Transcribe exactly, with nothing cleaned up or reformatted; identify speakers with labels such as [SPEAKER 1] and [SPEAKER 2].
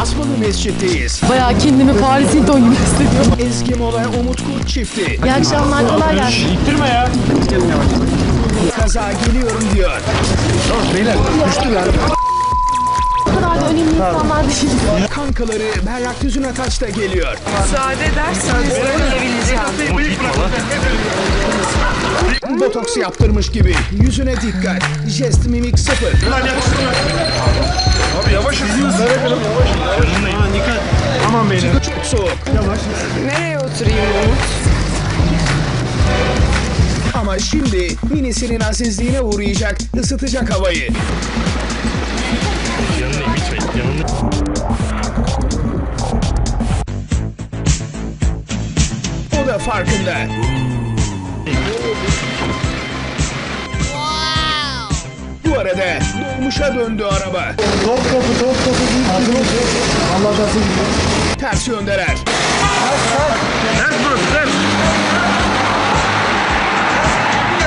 [SPEAKER 1] Asmalı Mescid'deyiz.
[SPEAKER 2] Bayağı kendimi Paris Hilton gibi hissediyorum.
[SPEAKER 1] Ezgi Mola, Umut Kurt çifti.
[SPEAKER 2] İyi akşamlar, kolay gelsin.
[SPEAKER 3] İttirme ya.
[SPEAKER 1] Kaza geliyorum diyor.
[SPEAKER 3] Beyler düştüler.
[SPEAKER 2] Bu kadar da önemli insanlar değil.
[SPEAKER 1] Kankaları Berrak Düzünataş da geliyor.
[SPEAKER 4] Müsaade ederseniz gelebileceğim.
[SPEAKER 1] Botoks yaptırmış gibi. Yüzüne dikkat. Jest mimik sıfır.
[SPEAKER 3] Abi yavaş yavaş. Aman dikkat. Aman beyler.
[SPEAKER 1] Çok soğuk.
[SPEAKER 3] Yavaş.
[SPEAKER 4] Nereye oturayım Umut?
[SPEAKER 1] Ama şimdi minisinin azizliğine uğrayacak, ısıtacak havayı. O da farkında. Bu arada dolmuşa döndü araba.
[SPEAKER 3] Top topu top topu. Allah'tan sevgilim.
[SPEAKER 1] Ters yöndeler.